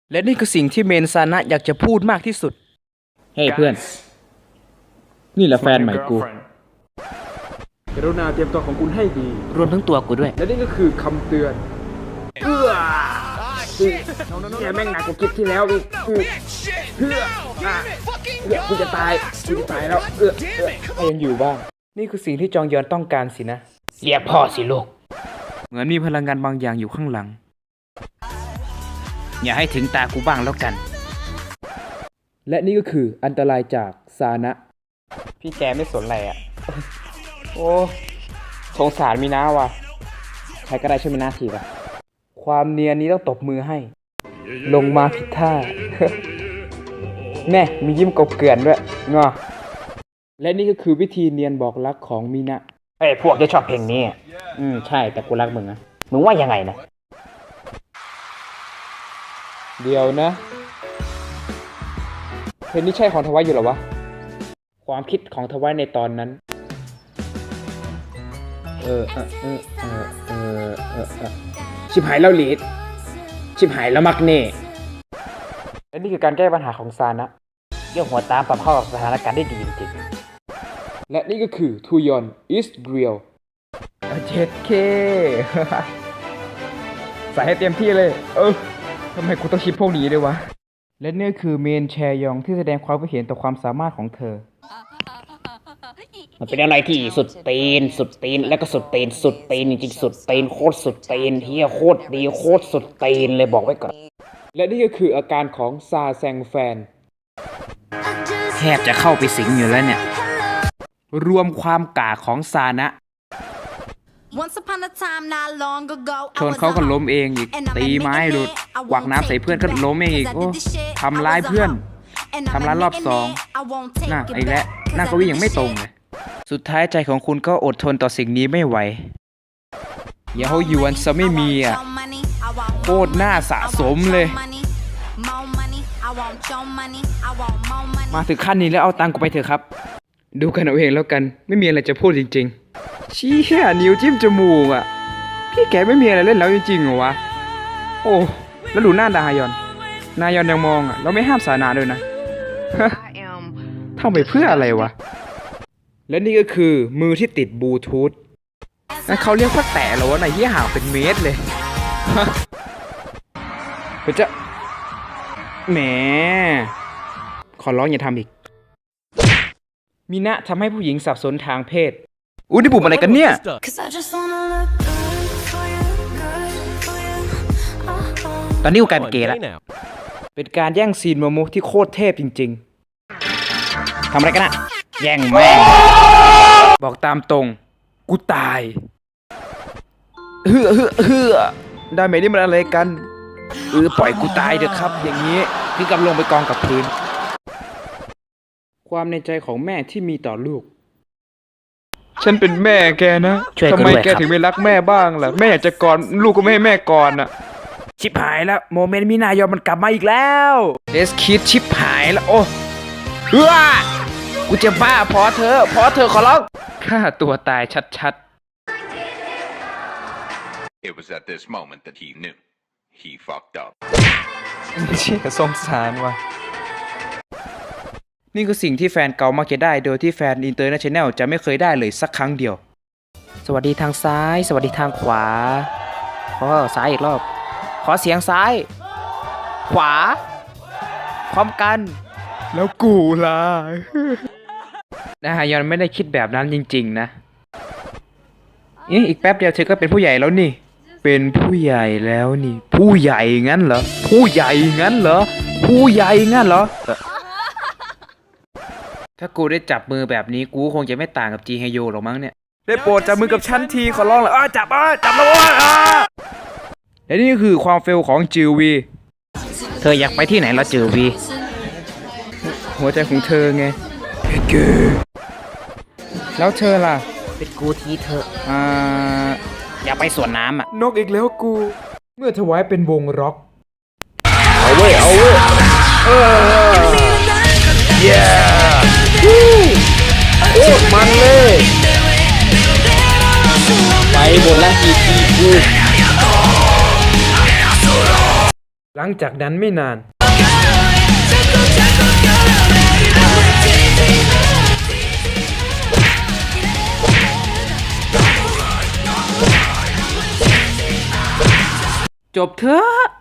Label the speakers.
Speaker 1: และนี่คือสิ่งที่เมนซานะอยากจะพูดมากที่สุดเฮ้ เพื่อน นี่แหละแฟนใหม่กูกรุณาเตรียมตัวของคุณให้ดี
Speaker 2: รวมทั้งตัวกูด้วย
Speaker 1: และนี่ก็คือคำเตือนเนี่ยแม่งหนักกว่าคลิปที่แล้วอีกกูจะตายแล้วถ้ายังอยู่บ้างนี่คือสิ่งที่จองยอนต้องการสินะ
Speaker 2: เรียกพ่อสิลูก
Speaker 1: เหมือนมีพลังงานบางอย่างอยู่ข้างหลัง
Speaker 2: อย่าให้ถึงตากูบ้างแล้วกัน
Speaker 1: และนี่ก็คืออันตรายจากซานะ พี่แกไม่สนอะไรอ่ะ โอ้สงสารมีนาว่ะใครก็ได้ช่วยมีนาทีว่ะความเนียนนี้ต้องตบมือให้ ลงมาผิดท่า แน่มียิ้มกบเกลื่อนด้วยงอและนี่ก็คือวิธีเนียนบอกรักของมีนะ
Speaker 2: เอ้ยพวกจะชอบเพลงนี้ใช่แต่กูรักมึงนะมึงว่ายังไงนะ
Speaker 1: เดี๋ยวนะเพลงนี้ใช่ของทวายอยู่หรอวะความคิดของทวายในตอนนั้นชิบหายแล้วลีดชิบหายแล้วมักเน่และนี่คือการแก้ปัญหาของซานะ
Speaker 2: เยี่ยหัวตามปรับเข้ากับสถานการณ์ได้ดีจริง
Speaker 1: และนี่ก็คือทูยอนอิสเรียลเจ็ดเค ใส่ให้เต็มที่เลยทำไมกูต้องคิดพวกนี้ด้วยวะและนี่คือเมนแชยองที่แสดงความคิดเห็นต่อความสามารถของเธอ
Speaker 2: ๆมันเป็นอะไรที่สุดตีนแล้วก็สุดตีนจริงๆสุดตีนโคตรสุดตีนเฮียโคตรดีโคตรสุดตีนเลยบอกไว้ก่อน
Speaker 1: และนี่ก็คืออาการของซาแซงแฟน
Speaker 2: แทบจะเข้าไปสิงอยู่แล้วเนี่ย
Speaker 1: รวมความกาของซานะชนเขาก็ล้มเองอีกตีไม้หลุดกวักน้ำใส่เพื่อนก็ล้มเองอีกโอ้ทำร้ายเพื่อนทำร้ายรอบสองน่ะไอ้และหน้าก็วิ่งยังไม่ตรงเลยสุดท้ายใจของคุณก็อดทนต่อสิ่งนี้ไม่ไหวอย่าเขาหยวนซะไม่มีอ่ะโคตรน่าสะสมเลยมาถึงขั้นนี้แล้วเอาตังค์กูไปเถอะครับดูกันเอาเองแล้วกันไม่มีอะไรจะพูดจริงๆชี้แค่นิ้วจิ้มจมูกอ่ะพี่แกไม่มีอะไรเล่นแล้วจริงๆเหรอวะโอ้แล้วดูหน้าดายอนยังมองอ่ะเราไม่ห้ามสานาด้วยนะ ทำไปเพื่ออะไรวะและนี่ก็คือมือที่ติดบลูทูธนั่นเขาเรียกว่าแตะเหรอวะไหนที่ห่างเป็นเมตรเลย เพื่อจะแหมขอร้องอย่าทำอีกมีนะทำให้ผู้หญิงสับสนทางเพศอุ้ยนี่ปุ่มอะไรกันเนี่ย
Speaker 2: ตอนนี้กูกลายเป็นเกย์แล้ว
Speaker 1: เป็นการแย่งซีนโมโมที่โคตรเทพจริงๆ
Speaker 2: ทำอะไรกันอะแย่งแม่ง
Speaker 1: บอกตามตรงกูตายได้ไหมนี่มันอะไรกันปล่อยกูตายเถอะครับอย่างนี้พี่กำลงไปกองกับพื้นความในใจของแม่ที่มีต่อลูกฉันเป็นแม่แกนะทำไมแกถึงไม่รักแม่บ้างล่ะแม่อยากจะกอดลูกก็ไม่ให้แม่กอดอ่ะชิบหายแล้วโมเมนต์มินายอมันกลับมาอีกแล้วเดสคิดชิบหายแล้วโอ้กูจะบ้าพอเธอขอร้องฆ่าตัวตายชัด
Speaker 3: It was at this moment that he knew he fucked up.
Speaker 1: เชี่ยสงสารว่ะนี่คือสิ่งที่แฟนเก่ามักจะได้โดยที่แฟนอินเตอร์เนชั่นแนลจะไม่เคยได้เลยสักครั้งเดียวสวัสดีทางซ้ายสวัสดีทางขวาซ้ายอีกรอบขอเสียงซ้ายขวาพร้อมกันแล้วกูล่ะนะฮะยอนไม่ได้คิดแบบนั้นจริงๆนะอีกแป๊บเดียวเธอก็เป็นผู้ใหญ่แล้วนี่เป็นผู้ใหญ่แล้วนี่ผู้ใหญ่งั้นเหรอถ้ากูได้จับมือแบบนี้กูคงจะไม่ต่างกับจีเฮโยหรอกมั้งเนี่ยได้โปรดจับมือกับฉันทีขอร้องเลยจับแล้วและนี่คือความเฟลของจิววี
Speaker 2: เธออยากไปที่ไหนแล้วจือวี
Speaker 1: หัวใจของเธอไงแล้วเธอล่ะ
Speaker 2: เป็นกูทีเธออยากไปสวนน้ำอ่ะ
Speaker 1: นกอีกแล้วกูเมื่อถวายเป็นวงร็อก
Speaker 2: เอาเว้ย
Speaker 1: โอ้มันเลย
Speaker 2: ไปบนละทีกู
Speaker 1: หลังจากนั้นไม่นาน จบเถอะ